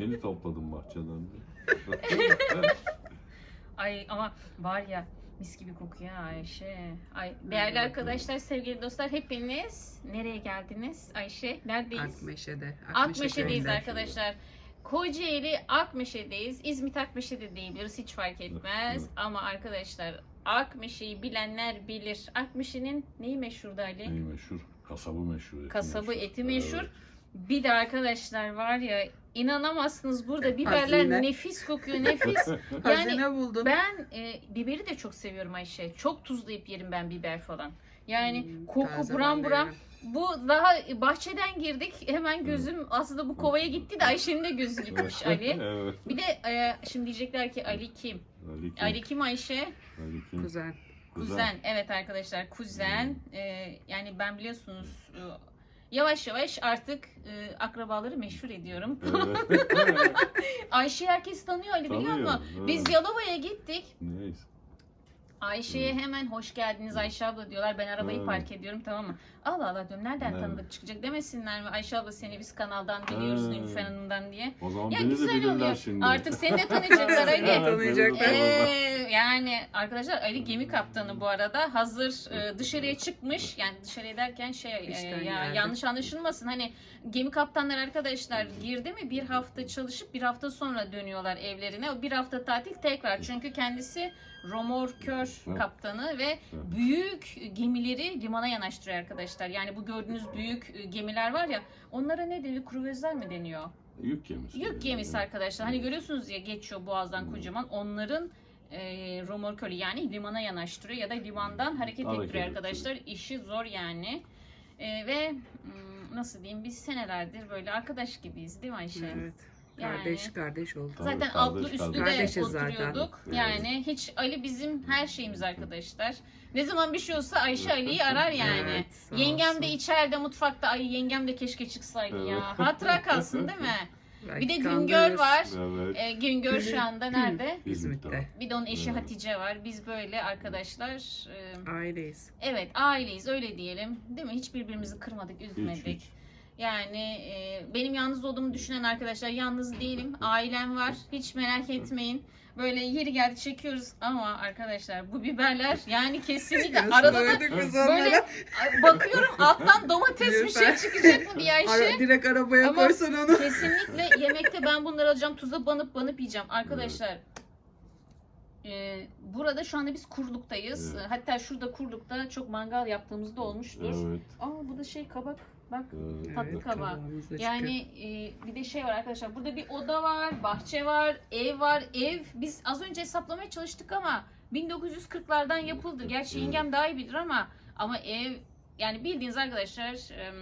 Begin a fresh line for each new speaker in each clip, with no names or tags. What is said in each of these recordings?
Yeni topladım bahçeden.
Ay ama var ya mis gibi kokuyor Ayşe. Ay değerli arkadaşlar, sevgili dostlar, hepiniz nereye geldiniz? Ayşe neredeyiz?
Akmeşe'de.
Akmeşe'deyiz
köyünde.
arkadaşlar. Kocaeli Akmeşe'deyiz. İzmit Akmeşe'de diyebiliriz, hiç fark etmez.
Evet.
Ama arkadaşlar Akmeşe'yi bilenler bilir. Akmeşe'nin neyi meşhurdu Ali?
Neyi meşhur? Kasabı meşhur. Eti
Kasabı
meşhur.
eti meşhur.
Evet.
Bir de arkadaşlar var ya, inanamazsınız, burada biberler
Hazine.
nefis kokuyor, nefis.
Hazine
Yani
buldum.
ben biberi de çok seviyorum Ayşe. Çok tuzlayıp yerim ben biber falan. Yani koku
taze
buram
ben de
buram.
yerim.
Bu daha bahçeden girdik. Hemen gözüm aslında bu kovaya gitti de Ayşe'nin de gözü gitmiş Ali.
Evet.
Bir de şimdi diyecekler ki Ali kim?
Ali kim?
Ali kim Ayşe?
Ali kim?
Kuzen.
Kuzen. Evet arkadaşlar, kuzen. Yani ben biliyorsunuz yavaş yavaş artık akrabaları meşhur ediyorum.
Evet.
Ayşe'yi herkes tanıyor Ali, biliyor
Tanıyor,
musun?
evet.
Biz Yalova'ya gittik.
Neyse.
Ayşe'ye hemen hoş geldiniz Ayşe abla diyorlar. Ben arabayı
Evet.
park ediyorum, tamam mı? Allah Allah diyorum, nereden
Evet.
tanıdık çıkacak demesinler mi? Ayşe abla seni biz kanaldan biliyoruz,
Evet.
Nilüfer Hanım'dan diye.
O zaman
Ya
beni de
güzel
bilirler
oluyor.
şimdi.
Artık seni de tanıyacaklar Ali.
Evet, tanıyacaklar.
Yani arkadaşlar Ali gemi kaptanı bu arada. Hazır dışarıya çıkmış. Yani dışarıya derken
İşten
ya
geldi.
yanlış anlaşılmasın. Hani gemi kaptanları arkadaşlar girdi mi bir hafta çalışıp bir hafta sonra dönüyorlar evlerine. O bir hafta tatil tekrar. Çünkü kendisi romorkör
Evet.
kaptanı ve büyük gemileri limana yanaştırıyor arkadaşlar. Yani bu gördüğünüz büyük gemiler var ya, onlara ne deniyor? Kruvazlar mı deniyor?
Yük gemisi.
Yük gemisi arkadaşlar. Hani görüyorsunuz ya, geçiyor boğazdan kocaman. Onların romorkörü, yani limana yanaştırıyor ya da limandan hareket
Hareket
ettiriyor
ettiriyor.
arkadaşlar. İşi zor yani. Ve nasıl diyeyim, biz senelerdir böyle arkadaş gibiyiz değil mi Ayşe?
Evet.
Yani-
Kardeş oldu.
Tabii,
Zaten
kardeş,
altlı üstlü
kardeş.
de
Kardeşiz zaten.
oturuyorduk.
Evet.
Yani hiç, Ali bizim her şeyimiz arkadaşlar. Ne zaman bir şey olsa Ayşe Ali'yi arar yani.
Evet, sağ
Yengem
olsun.
de içeride mutfakta, ay yengem de keşke çıksaydı ya. Hatıra kalsın değil mi? Bir de
Belki
Güngör
kandırırız.
var.
Evet.
Güngör şu anda nerede?
İzmit'te.
Bir de onun eşi
Evet.
Hatice var. Biz böyle arkadaşlar
Aileyiz.
evet aileyiz, öyle diyelim. Değil mi? Hiç birbirimizi kırmadık, üzmedik.
Hiç.
Yani benim yalnız olduğumu düşünen arkadaşlar, yalnız değilim. Ailem var. Hiç merak etmeyin. Böyle yeri geldi çekiyoruz ama arkadaşlar bu biberler yani kesinlikle arada da
Söyledik biz
böyle
onlara.
bakıyorum alttan domates bir şey
Lütfen.
çıkacak mı diye Ayşe.
Direkt arabaya
Ama
koysan onu.
kesinlikle yemekte ben bunları alacağım, tuza banıp yiyeceğim. Arkadaşlar burada şu anda biz Kurluk'tayız.
Evet.
Hatta şurada Kurluk'ta çok mangal yaptığımızda olmuştur.
Evet.
Aa bu da şey kabak. Bak
Evet.
tatlı kabağı.
kabağımız da
yani bir de şey var arkadaşlar. Burada bir oda var, bahçe var, ev var. Ev biz az önce hesaplamaya çalıştık ama 1940'lardan yapıldı. Gerçi
Evet.
yengem daha iyi bilir ama ev yani bildiğiniz arkadaşlar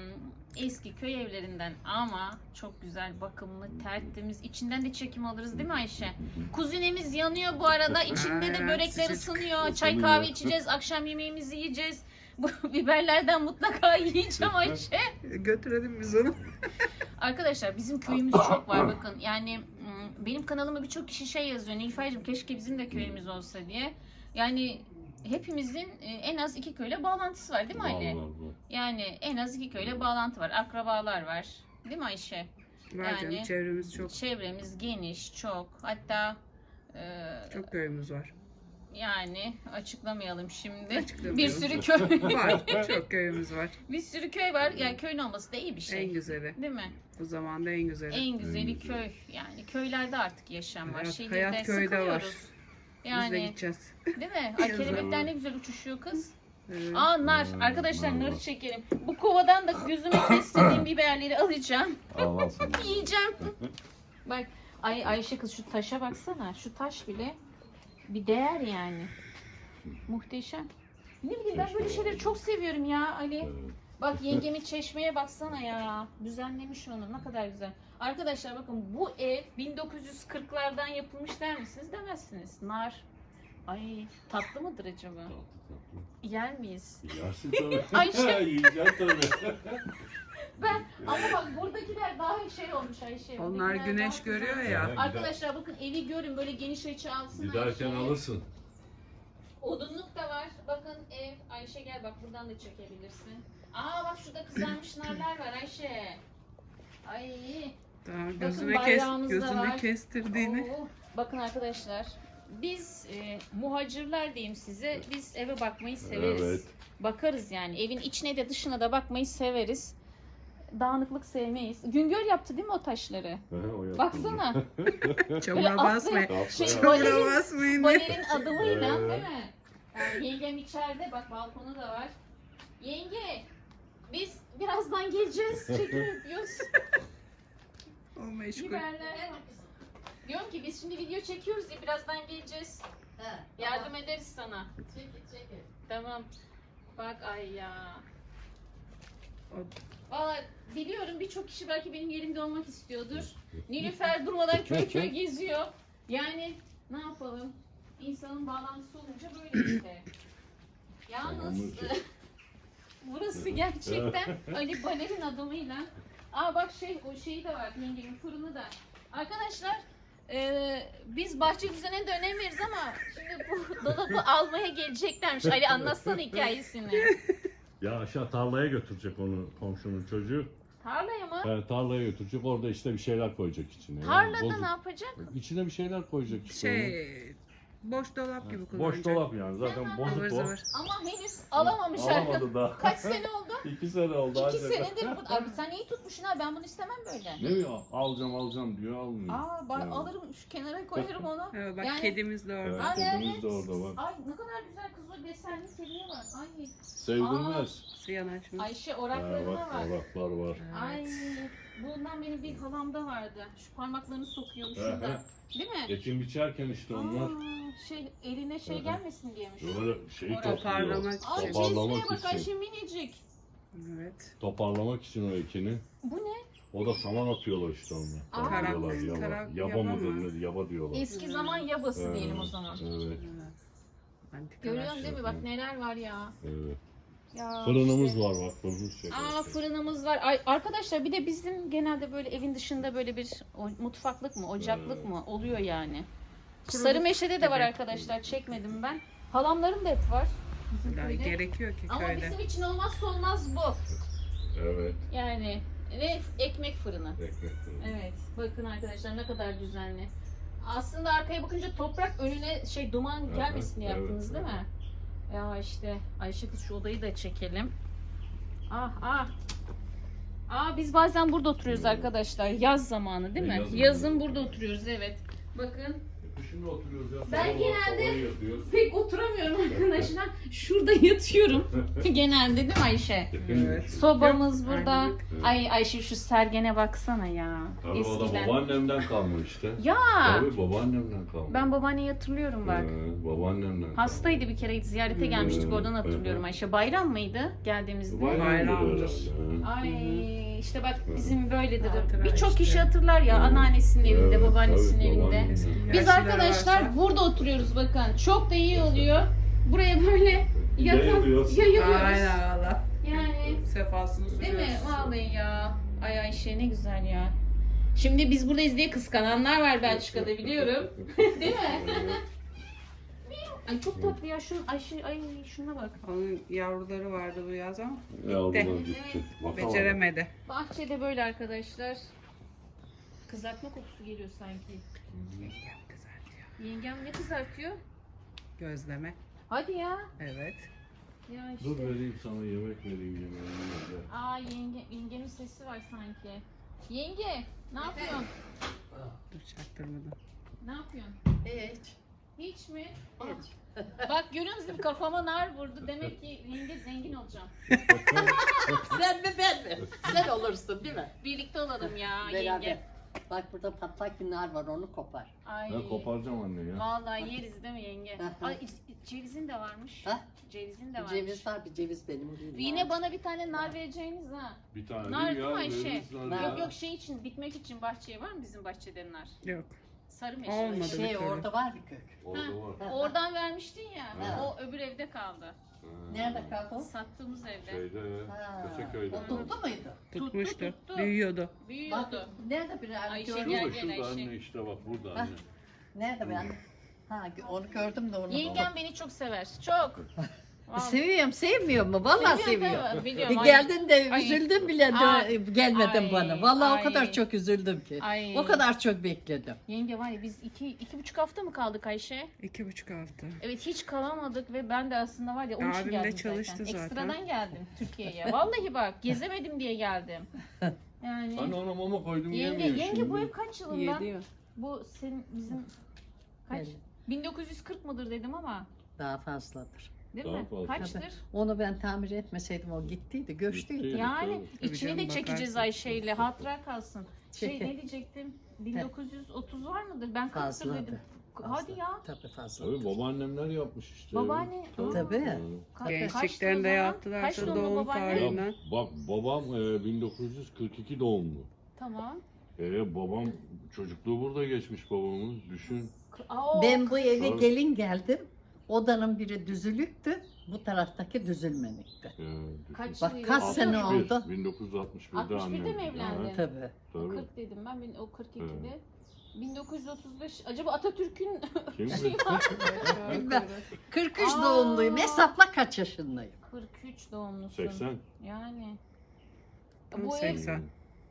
eski köy evlerinden ama çok güzel, bakımlı, tertemiz. İçinden de çekim alırız değil mi Ayşe? Kuzinemiz yanıyor bu arada. İçinde de
Evet,
börekler
sıcacık.
ısınıyor. Çay
Isınıyor.
kahve içeceğiz. Akşam yemeğimizi yiyeceğiz. Bu biberlerden mutlaka yiyeceğim Ayşe.
Götürelim biz onu.
Arkadaşlar bizim köyümüz çok var bakın. Yani benim kanalıma birçok kişi şey yazıyor. Nilüfer'cim keşke bizim de köyümüz olsa diye. Yani hepimizin en az 2 köyle bağlantısı var değil mi Ali?
Var.
Yani en az 2 köyle bağlantı var. Akrabalar var. Değil mi Ayşe?
Var
Yani-
canım, çevremiz çok.
Çevremiz geniş, çok. Hatta
Çok köyümüz var.
yani açıklamayalım şimdi.
Açıklamayalım.
Bir sürü köy
Var. Çok köyümüz var.
bir sürü köy var. Yani köyün olması da iyi bir şey.
En güzeli.
Değil mi?
Bu zamanda en güzeli.
En güzeli
En güzeli.
köy. Yani köylerde artık yaşam var.
Hayat-
Şehirde
hayat köyde var.
sıkılıyoruz.
Biz de
Yani
gideceğiz.
değil mi? Ay,
Yazın.
kelebekler ne güzel uçuşuyor kız.
Evet.
Aa nar.
Hmm,
Arkadaşlar
nar
narı
var.
çekelim. Bu kovadan da gözüme kestiğim biberleri alacağım.
Allah sana.
Yiyeceğim. Bak Ayşe kız şu taşa baksana. Şu taş bile bir değer yani. Muhteşem. Ne bileyim ben böyle şeyleri çok seviyorum ya Ali.
Evet.
Bak yengemin çeşmeye baksana ya. Düzenlemiş onu. Ne kadar güzel. Arkadaşlar bakın bu ev 1940'lardan yapılmış der misiniz? Demezsiniz. Nar. Ay tatlı mıdır acaba?
Tatlı.
Yer miyiz?
Yersin tabii.
Ayşe.
Yiyeceksin tabii.
Ben ama bak buradakiler daha şey olmuş Ayşe.
Onlar
Buradakiler
güneş
daha güzel.
görüyor ya.
Arkadaşlar bakın evi görün, böyle geniş açı alsın
Giderken
Ayşe.
alırsın.
Odunluk da var. Bakın ev. Ayşe gel bak buradan da çekebilirsin. Aa bak şurada kızarmış narlar var Ayşe. Ay
Tamam,
Bakın bayrağımız da
gözünü
var.
kestirdiğini.
Oo, bakın arkadaşlar. Biz muhacirler diyeyim size. Biz eve bakmayı severiz.
Evet.
Bakarız yani. Evin içine de dışına da bakmayı severiz. Dağınıklık sevmeyiz. Güngör yaptı değil mi o taşları?
O yaptı.
Baksana.
Çamura basmayın.
Şey,
Çamura
balerin,
basmayın.
balerin adımıyla
Evet.
değil mi? Yengem içeride. Bak balkonu da var. Yenge biz birazdan geleceğiz. Çekim yapıyoruz.
O meşgul.
Biberler. Diyorum ki biz şimdi video çekiyoruz ya birazdan geleceğiz. Yardım ederiz sana.
Çekil.
Tamam. Bak ay ya.
O-
Valla biliyorum birçok kişi belki benim yerimde olmak istiyordur. Nilüfer durmadan köy köy geziyor. Yani ne yapalım? İnsanın bağlantısı olunca böyle işte. Yalnız burası gerçekten Ali Baler'in adımıyla. Aa bak o şeyi de var yengemin fırını da. Arkadaşlar biz bahçe düzenine de önem veririz ama şimdi bu dolabı almaya geleceklermiş. Ali anlatsana hikayesini.
Ya aşağı tarlaya götürecek onu komşunun çocuğu.
Tarlaya mı?
Tarlaya götürecek. Orada işte bir şeyler koyacak içine. Yani
Tarlada
bozuk.
ne yapacak?
İçine bir şeyler koyacak işte.
Boş dolap gibi
Boş
kullanacak.
dolap yani. Zaten
Aha.
bozuk
Ivır
o.
zıvır.
Ama henüz alamamış arkadaş.
Alamadı daha.
Kaç sene oldu?
2 sene oldu.
2
ancak.
senedir bu. Abi sen iyi tutmuşsun ha ben bunu istemem böyle.
Ne diyor? Alacağım diyor almıyor.
Aa bak
Yani.
alırım şu kenara koyarım onu.
Evet, bak
Yani-
kedimiz de orada.
Evet.
Ay,
kedimiz de orada bak.
Ay ne kadar güzel kız o desenli kediye bak. Ay
Sevdirmez.
Su yanaşmış.
Ayşe
Ha,
oraklarına
bak
bak.
oraklar var.
Ay bundan benim bir halamda vardı. Şu parmaklarını sokuyormuş
Hı
şurada.
hı.
Değil mi?
Ekim biçerken işte onlar
Eline
Hı hı.
gelmesin diyemiş.
böyle şeyi
Orada.
Toparlamak
topluyor.
Ay
Toparlamak
cezveye bak
için.
Ayşe minicik.
Evet.
Toparlamak için o ekini.
Bu ne?
O da saman atıyorlar işte onlar.
Aa.
Tarak diyorlar yaba.
Tarak,
Yaba
yaba
mıdır
mı?
nedir? Yaba diyorlar.
Eski zaman yabası
Evet,
diyelim o zaman.
Evet.
Antikalar.
Görüyorsun değil mi? Bak neler var ya.
Evet.
Ya
Fırınımız
işte.
var bak fırın şey.
Aa fırınımız var. Ay, arkadaşlar bir de bizim genelde böyle evin dışında böyle bir mutfaklık mı, ocaklık
Evet.
mı oluyor yani.
Kuruluk
Sarımeşe'de de var
gibi.
arkadaşlar. Çekmedim ben. Halamların da et var. Bizim
Daha
köyde.
gerekiyor ki
Ama
köyde.
bizim için olmazsa olmaz bu.
Evet.
Yani ve ekmek fırını.
Ekmek fırını.
Evet. Bakın arkadaşlar ne kadar düzenli. Aslında arkaya bakınca toprak önüne duman
Evet,
gelmesin diye
evet,
yaptınız değil mi? Ya işte Ayşe kız şu odayı da çekelim. Ah. Biz bazen burada oturuyoruz arkadaşlar. Yaz zamanı değil mi?
Yazın
Yazın
burada
burada oturuyoruz evet. Bakın
Şimdi oturuyoruz ya.
Ben
sabah
genelde-
sabah yatıyoruz.
pek oturamıyorum arkadaşlar. Şurada yatıyorum. Genelde değil mi Ayşe?
Evet.
Sobamız
Yok,
burada.
aynen.
Ay Ayşe şu sergene baksana ya.
Tabii o da
Eskiden.
babaannemden kalma işte.
Ya
Tabii babaannemden kalma.
ben babaanneyi hatırlıyorum bak.
Babaannemden kalma.
Hastaydı bir kere ziyarete gelmiştik oradan hatırlıyorum Ayşe. Bayram mıydı geldiğimizde?
Bayramdır.
Ay işte bak bizim böyledir.
Hatıra
Birçok
işte.
kişi hatırlar ya
Evet.
anneannesinin evinde,
Evet,
babaannesinin
tabii,
evinde.
babaannem.
Biz
Yaşlılar
arkadaşlar
varsa-
burada oturuyoruz bakın. Çok da iyi oluyor. Buraya böyle
Yayılıyoruz.
yayılıyoruz.
Aynen valla.
Yani
Sefasını
değil
sürüyoruz.
mi? Vallahi ya. Ay Ayşe ne güzel ya. Şimdi biz buradayız diye kıskananlar var Belçika'da biliyorum. Değil mi? Ay çok tatlı ya şu Ayşe ay şuna bak.
Onun yavruları vardı bu yaz ama
Yavrular gitti. Bakalım.
beceremedi.
Bahçede böyle arkadaşlar. Kızartma kokusu geliyor sanki. Yengem ne kızartıyor?
Gözleme.
Hadi ya.
Evet.
Ya
Dur
işte.
vereyim sana yemek vereyim yemeğini.
Aa yengemin sesi var sanki. Yenge ne yapıyorsun?
Dur çaktırmadan.
Ne yapıyorsun?
Hiç.
Hiç mi?
Hiç.
Bak görüyor musun kafama nar vurdu. Demek ki yenge zengin olacağım.
Sen mi ben mi? Sen olursun değil mi?
Birlikte olalım ya
Beraber.
yenge.
Bak burada patlak bir nar var onu kopar.
Ay.
Ben koparacağım anne ya.
Vallahi yeriz değil mi yenge?
Hı hı.
Ay cevizin de varmış.
Ha?
Cevizin de varmış.
Ceviz var bir ceviz benim.
Yine bana bir tane nar vereceğiniz ha.
Bir tane
Nar
değil
değil mi
ya.
Ayşe?
veririz nar
Nar.
ya.
Yok şey için bitmek için bahçeye var mı bizim bahçede nar?
Yok.
Sarı meşe.
Olmadı.
Şey
bir türlü.
orada var bir kök.
Orada var.
Ha.
Oradan vermiştin ya.
Ha.
O öbür evde kaldı.
Ha.
Nerede kaldı o?
Sattığımız evde.
Şeyde,
Ha,
Köseköy'de.
o tuttu muydu?
Tutmuştu.
tuttu.
Büyüyordu.
Bak
Büyüyordu.
nerede bir anne
Ayşe
gördüm.
gel.
Şurada şurada
Ayşe.
anne işte bak burada
Ha.
anne.
Nerede bir anne? Ha onu gördüm de onu.
Yengem beni çok sever. Çok. Vallahi.
Seviyorum, sevmiyor mu? Vallahi seviyor.
Tabii, biliyorum. Ay,
Geldin de
Ay.
üzüldüm bile gelmedin
Ay.
bana. Vallahi
Ay.
o kadar çok üzüldüm ki.
Ay.
O kadar çok bekledim.
Yenge var ya biz 2,5 hafta mı kaldık Ayşe?
2,5 hafta.
Evet hiç kalamadık ve ben de aslında var ya onun için
Abim de
geldim
çalıştı zaten.
Ekstradan geldim Türkiye'ye. Vallahi bak gezemedim diye geldim. Yani
Ben ona mama koydum
yenge,
yemiyor
yenge
şimdi.
bu ev kaç yılından?
Yediyor.
Bu senin bizim kaç?
Evet.
1940 mıdır dedim ama
Daha fazladır.
değil
Daha
mi?
fazla.
Kaçtır?
Onu ben tamir etmeseydim o gittiydi, göçtüydü.
Gittiydi.
Yani
Tabii
içini
canım,
de çekeceğiz
bakarsın.
Ayşe ile hatıra kalsın. Şey
Çekin.
ne diyecektim? 1930 var mıdır? Ben 40'tır
Fazladır.
dedim. Hadi ya.
Tabii fazla.
Tabii babaannemler yapmış işte.
Babaanne.
Tabii.
Gençliklerinde yaptılarsa
Kaç doğumlu
doğum
babaanne?
Ya,
tarihinden.
babam 1942 doğumlu.
Tamam.
Babam çocukluğu burada geçmiş babamız. Düşün.
Ben bu eve
Tabii.
gelin geldim. Odanın biri düzülüktü. Bu taraftaki düzülmenikti.
Düşün.
Kaç
Bak
yıl?
kaç sene
61,
oldu.
1961'de
61'de
annem.
mi evlendi?
Ha,
Tabii.
O
tabii.
40 dedim ben, o 42'de. 1935 acaba Atatürk'ün
Kim
şey
bu?
var.
Bilmem. 43
Aa.
doğumluyum. Hesapla kaç yaşındayım.
43 doğumlusun.
80.
Yani.
Tam
Bu ev
80.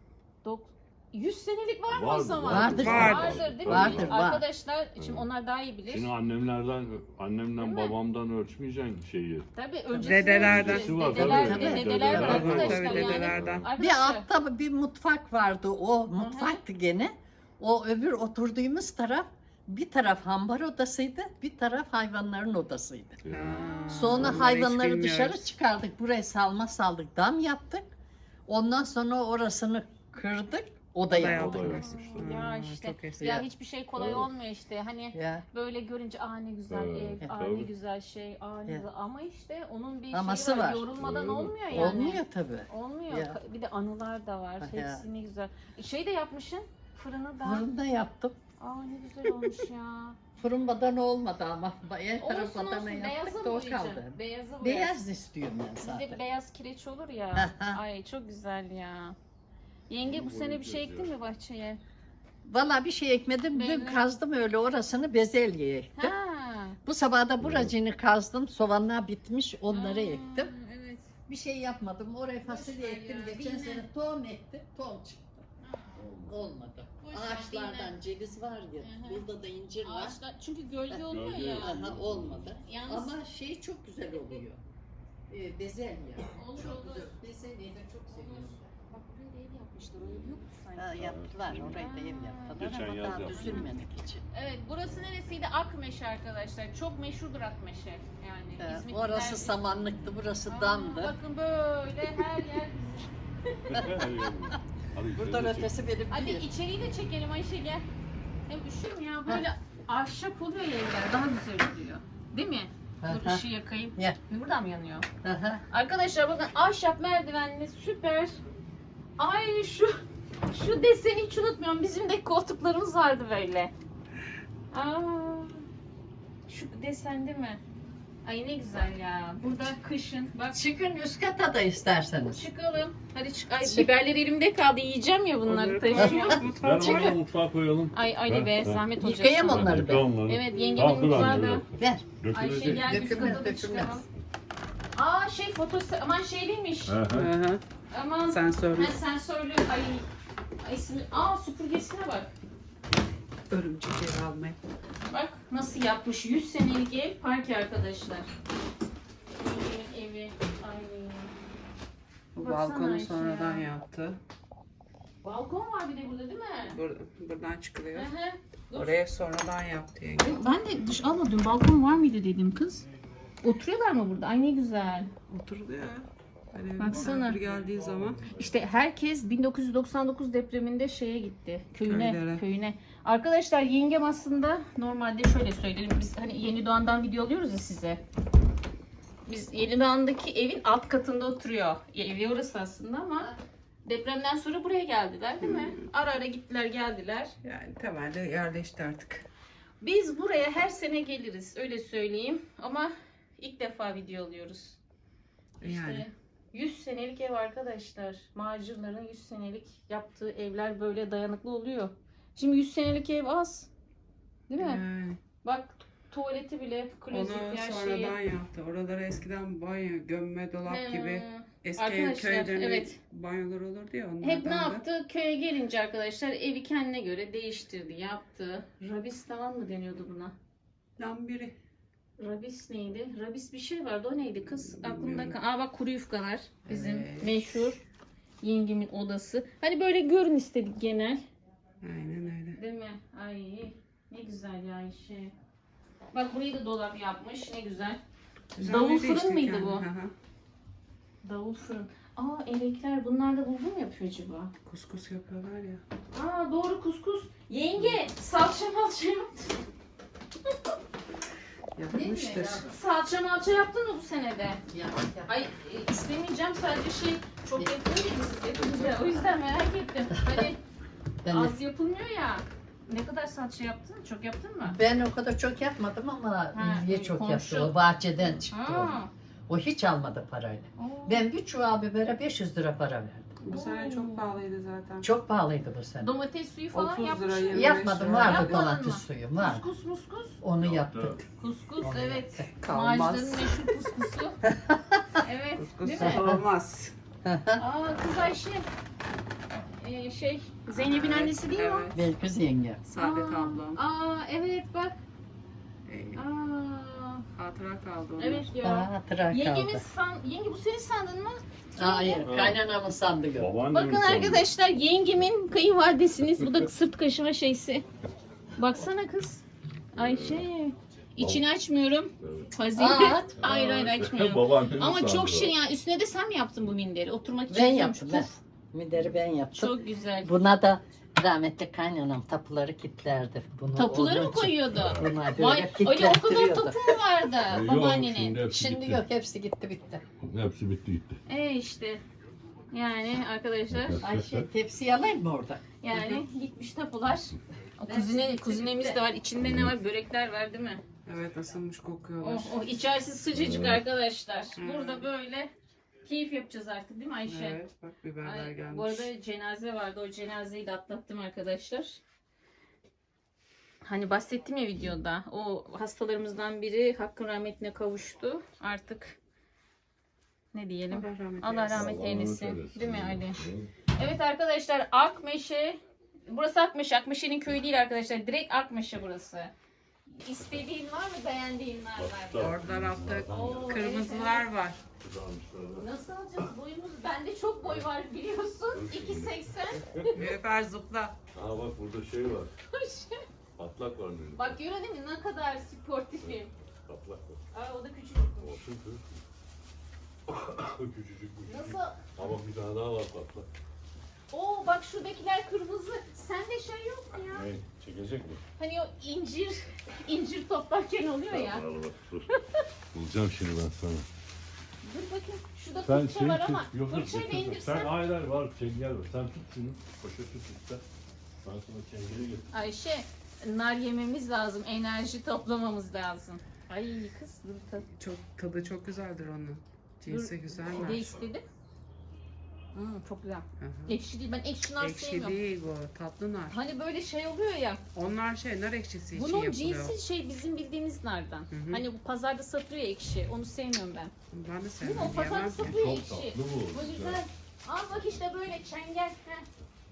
100 senelik var mı o
Vardır,
zaman?
vardır.
Vardır değil mi?
Vardır, var.
Arkadaşlar şimdi
Evet.
onlar daha iyi bilir.
Şimdi
Değil
annemden
mi?
babamdan ölçmeyeceksin şeyi.
Tabii öncesi
Dedelerden.
Öncesi var,
Dedeler,
tabii.
dedeler
Dedelerden
var
var.
arkadaşlar
Tabii,
yani.
dedelerden.
Bir
Arkadaşlar.
altta bir mutfak vardı. O mutfaktı gene. O öbür oturduğumuz taraf, bir taraf hambar odasıydı, bir taraf hayvanların odasıydı. Sonra
Onları hiç
hayvanları
bilmiyoruz.
dışarı çıkardık. Buraya salma saldık, dam yaptık. Ondan sonra orasını kırdık. Oda
Oda
yaptık.
Oda
yaptık.
yapmışlar.
Ya
Aa,
işte
çok eski.
ya hiçbir şey kolay
Evet.
olmuyor işte. Hani
Ya.
böyle görünce ne güzel
Evet,
ev, ne
tabii.
güzel şey, ne
Evet.
güzel. Ama işte onun bir
Aması
şeyi var.
var.
Yorulmadan
Evet.
olmuyor yani.
Olmuyor tabii.
Olmuyor.
Ya.
Bir de anılar da var.
Ya.
Hepsi ne güzel. Şey de yapmışsın. Fırını da.
Fırında yaptım.
Ne güzel olmuş ya.
Fırın badana olmadı ama her taraf
Olsun
badana
olsun.
yaptık
Beyazı
da
mı
o
boyayacaksın?
kaldı.
Beyazı boyayacağım.
Beyaz istiyorum ben
Bizde
zaten.
beyaz kireç olur ya.
Aha.
Ay çok güzel ya. Yenge bu
Bunu
sene bir şey
boyayacağız
ektin
ya.
mi bahçeye?
Valla bir şey ekmedim. Dün
Belli.
kazdım öyle orasını bezelye ektim.
Ha.
Bu sabah da buracını kazdım. Soğanlar bitmiş onları ektim.
Evet.
Bir şey yapmadım. Oraya fasulye
ver
ektim.
ya,
Geçen
dinle.
sene tohum ektim. Tohum çıktı. Olmadı.
Boş ver,
Ağaçlardan ceviz var ya.
Hı hı.
Burada da incir var.
Ağaçlar çünkü gölge oluyor
Gölge
ya.
yok.
Aha, olmadı.
Yalnız
Ama şey çok güzel oluyor. Bezelye.
Olur,
çok
olur.
güzel. Bezelyeyi de çok seviyorum.
bak buraya da ev yapmışlar. O ev yoktu sanki.
Ha, yaptılar. Orayı da ev yaptılar
Geçen
ama
yaz
daha
yaptılar.
düzülmedik için.
Evet burası neresiydi? Akmeşe arkadaşlar. Çok meşhurdur Akmeşe. Yani İzmitliler-
Orası samanlıktı, burası damdı.
Bakın böyle her yer bizim.
Hadi
Buradan
gidelim.
ötesi benim
Hadi
değil.
içeriği de çekelim Ayşe gel. Hem üşür ya böyle ahşap oluyor ya evler daha güzel oluyor. Değil mi? Dur
Aha.
ışığı yakayım.
Ya.
Buradan mı yanıyor?
Aha.
Arkadaşlar bakın ahşap merdivenli süper. Ay şu deseni hiç unutmuyorum. Bizim de koltuklarımız vardı böyle. Şu desen değil mi? Ay ne güzel ya. Burada kışın bak
Çıkın üst kata da isterseniz.
çıkalım. Hadi çık. Ay
Çık.
biberler elimde kaldı. Yiyeceğim ya bunları taşıyor.
Ver bana mutfağa koyalım.
Ay Ali be
Ha, ha.
zahmet olacak.
Yıkayayım
sana.
onları
Yıka
ben.
onları.
Evet
Tamam,
yengemin
dur
mutfağı
anne,
da.
dur.
Ver.
Ayşe
Dökülecek.
gel üst
Dökülmez,
kata da
dökülmez.
çıkalım. Şey fotosu aman şey değilmiş.
Hı hı.
Hı hı.
Aman
Sen söyle.
sensörlü ay ismi. süpürgesine bak.
Örümcek ev almaya.
Bak nasıl yapmış 100 senelik ev park arkadaşlar. Yengemin evi. Ay.
Bu
Baksana
balkonu
Ayşe
sonradan
ya.
yaptı.
Balkon var bir de burada değil mi?
Buradan çıkılıyor.
Hı hı. Dur.
Oraya sonradan yaptı yenge.
Ben de dün balkon var mıydı dedim kız. Oturuyorlar mı burada? Ay ne güzel.
Oturdu ya. Hani
Baksana.
misafir geldiği zaman.
İşte herkes 1999 depreminde şeye gitti. Köyüne.
Köylere.
Arkadaşlar yengem aslında normalde şöyle söyleyelim. Biz hani Yeni Doğan'dan video alıyoruz ya size. Biz Yeni Doğan'daki evin alt katında oturuyor. Evi orası aslında ama depremden sonra buraya geldiler değil mi? Ara ara gittiler geldiler.
Yani temelde yerleşti artık.
Biz buraya her sene geliriz öyle söyleyeyim. Ama ilk defa video alıyoruz. İşte
Yani.
100 senelik ev arkadaşlar. Macirlerin 100 senelik yaptığı evler böyle dayanıklı oluyor. Şimdi 100 senelik ev az. Değil mi?
Yani.
Bak tuvaleti bile klozet
Onu
her
sonradan
şeyi.
yaptı. Oralara eskiden banyo, gömme dolap gibi eski
Arkadaşlar,
köylerin
evet.
banyolar olurdu ya onlardan
Hep ne
da.
yaptı? Köye gelince arkadaşlar evi kendine göre değiştirdi, yaptı. Rabis tavan mı deniyordu buna?
Lambiri.
Rabis neydi? Rabis bir şey vardı. O neydi kız? Aklımda
Bilmiyorum.
kal. Aa bak kuru yufkalar. Bizim
Evet.
meşhur yengemin odası. Hani böyle görün istedik genel.
Aynen öyle.
Değil mi? Ay ne güzel ya Ayşe. Bak burayı da dolap yapmış. Ne güzel. Davul
Düzenledi
fırın
işte
mıydı
kendi.
bu?
Hı hı.
Davul fırın. Aa elekler. Bunlar da bulgur mu yapıyor acaba?
Kuskus yapıyorlar ya.
Aa doğru kuskus. Yenge salça malça yaptın.
Yapmıştır.
Salça malça yaptın mı bu senede?
Ya.
Ay istemeyeceğim sadece şey çok yapıyor ya biz yapınca. O yüzden merak ettim. Hani
Ben,
az yapılmıyor ya. Ne kadar salça yaptın? Çok yaptın mı?
ben o kadar çok yapmadım ama
Ha,
Ülviye çok
komşu.
yaptı. O bahçeden çıktı o.
Ha.
O hiç almadı parayla.
Oo.
Ben bir çuval bibere 500 lira para verdim.
Bu sene çok pahalıydı zaten.
Çok pahalıydı bu sene.
Domates suyu falan
30 lira,
yapmış.
25
Yapmadım,
lira.
vardı
Yapmadın
domates
mı?
suyu, var.
Kuskus.
Onu yaptık.
Kuskus
Onu
evet.
yaptık.
Kalmaz.
Macide'nin meşhur kuskusu. Evet. Değil
Kuskus
mi?
olmaz.
Aa kız Ayşe. Zeynep'in annesi değil mi o?
Evet.
Belkıs yenge.
Saadet
Aa,
ablam.
Aa evet bak. Aa,
Hatıra kaldı onlar.
evet ya.
Aa, tırak
Yengemiz
kaldı.
yenge bu senin sandın mı?
Hayır, kaynanamın sandığı.
Babaannemin
Bakın
sandığı.
arkadaşlar yengemin kayınvalidesiniz. Bu da sırt kaşıma şeysi. Baksana kız. Ayşe. İçini açmıyorum. Fazilet.
Aa.
Hayır açmıyorum.
Babaannemin
Ama
sandığı.
çok şey ya. Üstüne de sen mi yaptın bu minderi? Oturmak için
Ben
güzelmiş.
yaptım ben.
Puf,
Mideri ben yaptım.
çok güzel.
Buna da rahmetli kaynanam tapuları kilitlerdi. Bunu
Tapuları
onun
mı
için-
koyuyordu?
Buna böyle
Vay, öyle o kadar
kilitlettiriyordu.
tapu mu vardı
Yok,
babaannenin?
şimdi hepsi
Şimdi
gitti.
yok, hepsi gitti bitti.
Hepsi bitti gitti.
İşte. Yani arkadaşlar.
Ayşe tepsiyi alayım mı orada?
Yani gitmiş tapular. O kuzinemiz de var. İçinde ne var? Börekler var değil mi?
Evet ısınmış kokuyorlar.
Oh içerisi sıcacık arkadaşlar.
Evet.
Burada böyle keyif yapacağız artık değil mi Ayşe?
Evet bak biberler
Ay,
gelmiş.
bu arada cenaze vardı. O cenazeyi de atlattım arkadaşlar. Hani bahsettim ya videoda. O hastalarımızdan biri hakkın rahmetine kavuştu. Artık ne diyelim? Allah rahmet eylesin. Değil mi Ali? Evet arkadaşlar Akmeşe. Burası Akmeşe. Akmeşe'nin köyü değil arkadaşlar. Direkt Akmeşe burası. İstediğin var mı? Beğendiğin var mı?
Orada tarafta
Oo,
kırmızılar var.
Nasıl alacağız boyumuz? Bende çok boy var biliyorsun. 2.80.
Müfer zıpla.
Aa bak burada şey var. Patlak var benim.
Bak görüyor değil mi ne kadar sportifim.
Patlak var.
Aa, o da küçük.
Olsun kız. Küçücük bir
Nasıl?
Ama bir tane daha var patlak.
Oo bak şuradakiler kırmızı. Sende şey yok mu ya?
Ne? Çekecek mi?
Hani o incir toplarken oluyor ya.
Al bak dur. Bulacağım şimdi ben sana.
Dur bakayım. Şurada
Sen
fırça
şey
var
tut.
ama
Yok yok
fırçayla
getir.
indirsen.
Sen hayır var çengel var. Sen tut şunu. Poşeti tut sen. Ben sana çengeli getir.
Ayşe nar yememiz lazım. Enerji toplamamız lazım. Ay kız dur
Tadı çok güzeldir onun. Cinsi
Ne
güzeller.
istedin? Çok güzel.
Hı hı.
Ekşi değil. Ben ekşi nar
Ekşi
sevmiyorum.
değil bu. Tatlı nar.
Hani böyle şey oluyor ya.
Onlar nar ekşisi için
Bunun
yapılıyor.
cinsi şey bizim bildiğimiz nardan.
hı.
Hani bu pazarda satılıyor ekşi. Onu sevmiyorum ben.
Ben de
Değil mi?
sevmem
O pazarda
diyemem ki.
satılıyor
Çok
ekşi.
tatlı bu.
Bu güzel. Al bak işte böyle çengel. Heh.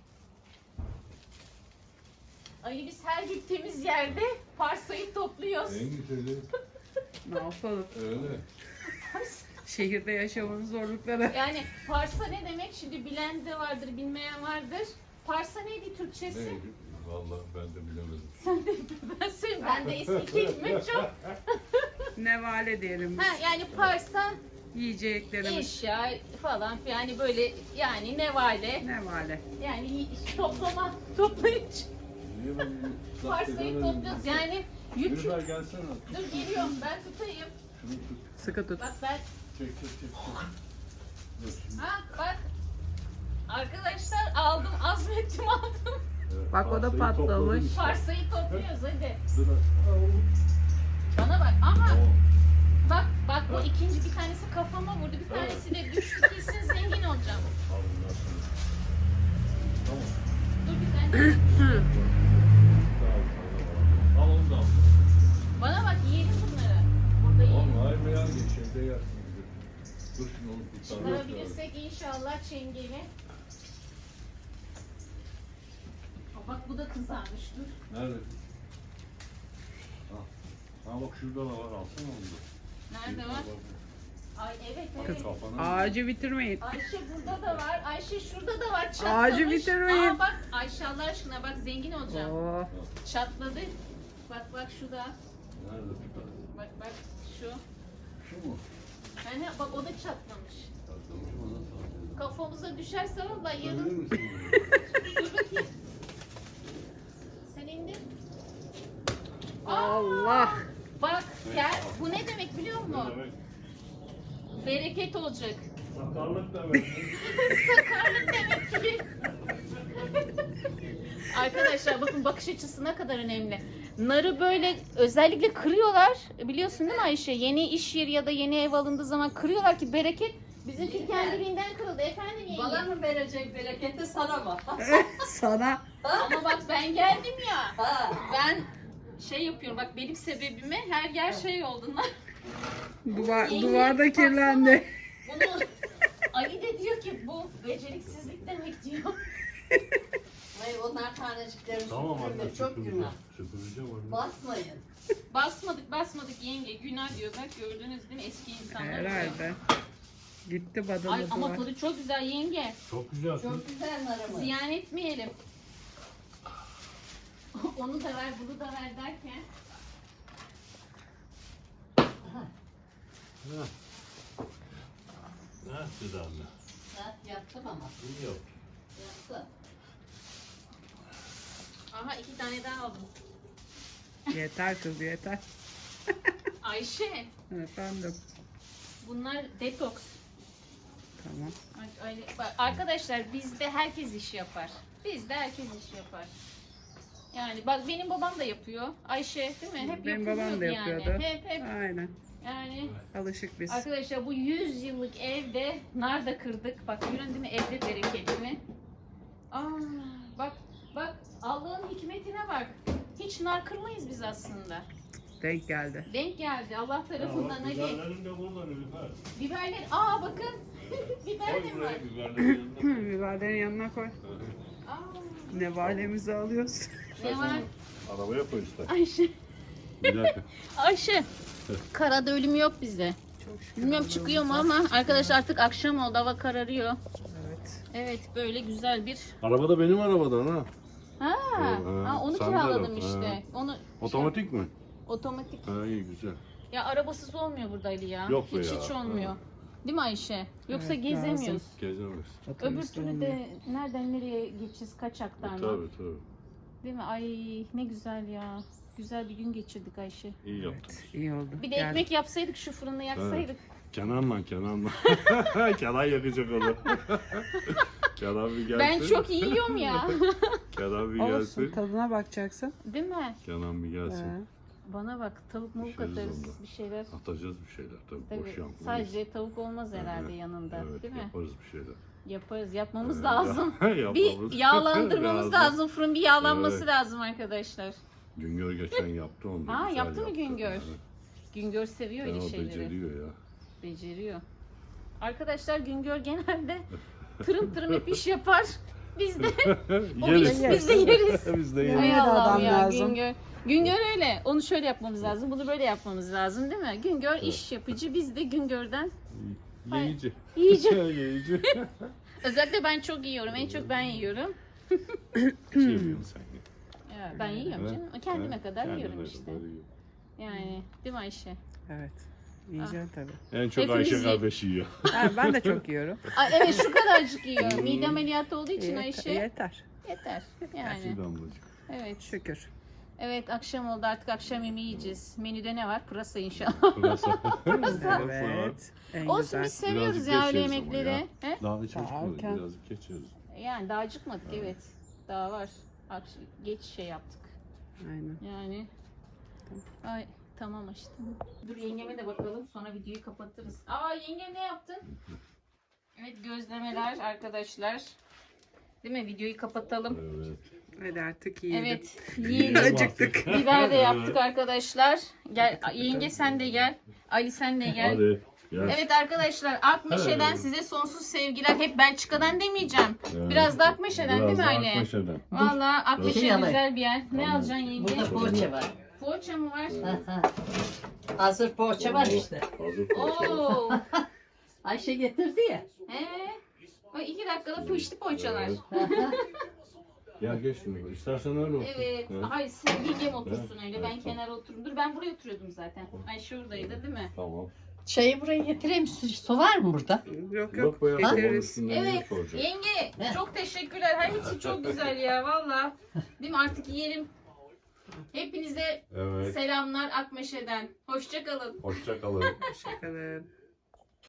Ali biz her gittiğimiz yerde parsayı topluyoruz.
En güzeli
Ne yapalım?
öyle.
Şehirde yaşamanın zorlukları.
Yani parsa ne demek? Şimdi bilen de vardır, bilmeyen vardır. Parsa neydi Türkçesi?
Ne? Vallahi ben de bilemedim.
Sen de ben söyleyeyim. Ben de eski kelime çok.
Nevale diyelim biz.
Ha yani parsa
Yiyeceklerimiz.
eşya falan filan yani böyle yani nevale
Nevale.
yani toplayıcı
Niye ben bunu
parsayı topluyoruz yani yük.
Yürüber gelsene.
Dur geliyorum ben tutayım.
Şunu tut.
Sıkı tut.
Bak ben
Çek. Dur şimdi.
ha bak arkadaşlar aldım azmettim aldım.
Evet,
Bak, o da
parsayı
patlamış.
topladım işte.
Parsayı topluyoruz hadi.
Dur.
Bana bak ama
Oo.
bak bu ikinci bir tanesi kafama vurdu bir tanesi de düştü kesin zengin olacağım.
Al bundan sonra. Tamam.
Dur bir tane.
Al onu da al.
Bana bak
Dur şimdi onu kurtaracağız.
Çıkarabilirsek inşallah çengeli. Aa, bak bu da kızarmış, dur.
Nerede? Ha bak şurada da var. Alsana onu da.
Nerede var? Ay evet
Kız,
evet.
Kafana.
Ağacı bitirmeyin.
Ayşe burada da var. Ayşe şurada da var. Çatlamış.
Ağacı bitirmeyin.
Aa bak Ayşe Allah aşkına bak zengin olacağım.
Oo.
Çatladı. Bak bak şu da.
Nerede?
Bak bak şu.
Şu mu?
Yani bak o da çatlamış.
Tatlamış mı? Nasıl alacağız?
Kafamıza düşerse valla
Tutabilir
yarın.
misin?
Dur bakayım. Sen indir.
Allah.
Bak gel. Bu ne demek biliyor musun?
Ne demek?
Bereket olacak.
Sakarlık demek.
Sakarlık demek ki. Arkadaşlar bakın bakış açısı ne kadar önemli. Narı böyle özellikle kırıyorlar. Biliyorsun değil mi Ayşe? Yeni iş yeri ya da yeni ev alındığı zaman kırıyorlar ki bereket. Bizimki kendiliğinden kırıldı. Efendim yenge.
Bana mı verecek bereketi sana mı?
Sana.
Ama bak ben geldim ya.
Ha.
Ben şey yapıyorum bak benim sebebime her yer şey oldu.
Duvarda kirlendi.
Bunu Ali de diyor ki bu beceriksizlik demek diyor.
Hayır onlar taneciklerini
Tamam
süpürme,
anne.
çok günah.
Süpüreceğim onu.
Basmayın.
Basmadık yenge günah diyor bak gördünüz değil mi eski insanlar. diyor.
Herhalde. Gitti
Ay,
badalı
ama
duvar.
tadı çok güzel yenge.
Çok güzel.
Çok güzel narımı.
Ziyan etmeyelim. Onu da ver bunu da ver derken.
Ne? Ne yaptı anne?
Ben yaptım ama.
İyi yok.
Yaptım.
Aha 2 tane daha aldım.
Yeter kız yeter.
Ayşe
Efendim.
bunlar detoks.
Tamam.
Bak, arkadaşlar bizde herkes iş yapar. Bizde herkes iş yapar. Yani bak benim babam da yapıyor. Ayşe değil mi? Hep
Benim babam da
yapıyordu
yapıyordu.
Yani. Hep.
Aynen.
Yani
Alışık biz.
arkadaşlar bu 100 yıllık evde nar da kırdık. Bak görün değil mi evde bereketini. Aa bak Allah'ın hikmetine bak. Hiç nar kırmayız biz aslında.
Denk geldi.
Denk geldi Allah tarafından Ali.
Biberlerim de burada Nilüfer.
Biberler aa bakın. Biber
Koy
de var.
buraya biberlerin yanına.
Biberlerin yanına koy.
Aa,
Nevalemizi alıyoruz.
ne var?
Arabaya koy işte.
Ayşe.
Bir dakika.
Ayşe. Karada ölüm yok bizde.
Çok şükür.
Bilmiyorum çıkıyor mu ama arkadaşlar artık akşam oldu hava kararıyor.
Evet.
Evet böyle güzel bir.
Araba da benim arabadan ha.
Ha, onu
Sen
kiraladım
de
işte.
ha.
Onu
Otomatik mi?
otomatik.
Ha iyi güzel.
Ya arabasız olmuyor burada Ali ya.
Yok be
hiç
ya.
hiç olmuyor.
Ha.
Değil mi Ayşe? Yoksa
Evet,
gezemiyoruz.
lazım.
Gezemez.
Öbür
Otobüste
türlü
olmuyor.
de nereden nereye geçeceğiz kaç aktarma.
Tabii.
Değil mi? Ay ne güzel ya. Güzel bir gün geçirdik Ayşe.
İyi yaptın.
Evet, iyi oldu.
Bir de
Gel.
ekmek yapsaydık şu fırında yaksaydık.
Kenan'la. Kenan yakacak onu. Kenan bir gelsin.
Ben çok iyi yiyorum ya.
Kenan bir
Olsun
gelsin.
tadına bakacaksın.
Değil mi?
Kenan bir gelsin.
He.
Bana bak tavuk mavuk
Düşeriz
atarız
onda.
bir şeyler.
Atacağız bir şeyler tabii.
Tabii,
Boş yapmayız.
sadece tavuk olmaz herhalde yanında
Evet
değil mi?
yaparız bir şeyler.
Yaparız yapmamız
Evet,
lazım.
yapmamız
Bir yağlandırmamız lazım. Fırın bir yağlanması
Evet.
lazım arkadaşlar.
Güngör geçen yaptı onu. da
Ha,
güzel
yaptı mı Güngör?
Evet.
Güngör seviyor
Ya,
öyle
o
şeyleri.
beceriyor ya.
Beceriyor. Arkadaşlar Güngör genelde tırım tırım hep iş yapar. Biz de
Yeriz.
biz de yeriz.
Biz de
Yemeğe
Hay
yeriz.
de
Allah'ım
adam
ya
lazım.
Güngör. Güngör öyle. Onu şöyle yapmamız lazım. Bunu böyle yapmamız lazım değil mi? Güngör iş yapıcı. Biz de Güngör'den
Yiyici.
yiyeceğiz.
Yiyici.
Özellikle ben çok yiyorum. En çok ben yiyorum.
Şey yapıyorsun sen.
Ya, ben yiyorum
Evet.
canım. Kendime kadar
Kendine
yiyorum
kadar
işte.
yiyor.
Yani değil mi Ayşe?
Evet. Yiyeceksin tabii.
En çok
Hepimiz
Ayşe
yiyor.
kardeş yiyor.
Ha, ben de çok yiyorum.
Ay, evet şu kadarcık yiyor. Mide ameliyatı olduğu için Ayşe
Yeter.
yeter. Yani
Bir damlacık.
evet.
Şükür.
Evet akşam oldu artık akşam yemeği yiyeceğiz. Menüde ne var? Pırasa inşallah.
Pırasa.
Evet. En
Olsun
güzel.
biz seviyoruz
Birazcık
ya öyle
geçeriz ama
yemekleri.
ya.
He?
Daha çocuk
Daha
mu?
erken.
Birazcık geçeriz.
Yani daha acıkmadık evet. Daha var. Geç şey yaptık.
Aynen.
Yani. Ay tamam aşkım. Dur yengeme de bakalım sonra videoyu kapatırız. Aa yenge ne yaptın? Evet gözlemeler arkadaşlar. Değil mi? Videoyu kapatalım.
Evet.
Hadi artık yiyelim.
Evet. Yiyelim.
Acıktık.
Biber de yaptık arkadaşlar. Gel yenge sen de gel. Ali sen de gel.
Hadi. Ya.
Evet arkadaşlar, Akmeşe'den
Evet.
size sonsuz sevgiler. Hep Belçika'dan demeyeceğim.
Evet.
Biraz da Akmeşe'den değil mi
Biraz da
Ali?
Akmeşe'den.
Valla Akmeşe
Şey
güzel bir yer. Ne
Tamam.
alacaksın yenge?
Burada poğaça var.
Poğaça mı var?
Hazır poğaça var işte.
Hazır poğaça.
Oo.
Ayşe getirdi ya.
Bak 2 dakikada pişti poğaçalar.
Evet. Gel geç şimdi. İstersen öyle otur.
Evet.
Evet.
Hayır sen yengem otursun
Evet,
öyle.
evet,
Ben
tamam.
kenara otururum. Dur ben buraya oturuyordum zaten. Ayşe oradaydı değil mi?
Tamam.
Çayı buraya getireyim. Su var mı burada?
Yok
Yok be ya. Sobanın
getiririz.
üstünden
Evet.
yemek olacak.
Yenge çok teşekkürler. Her hepsi çok güzel ya valla. Değil mi? Artık yiyelim. Hepinize
Evet.
selamlar Akmeşe'den. Hoşça kalın.
Hoşça kalın.
Hoşçakalın.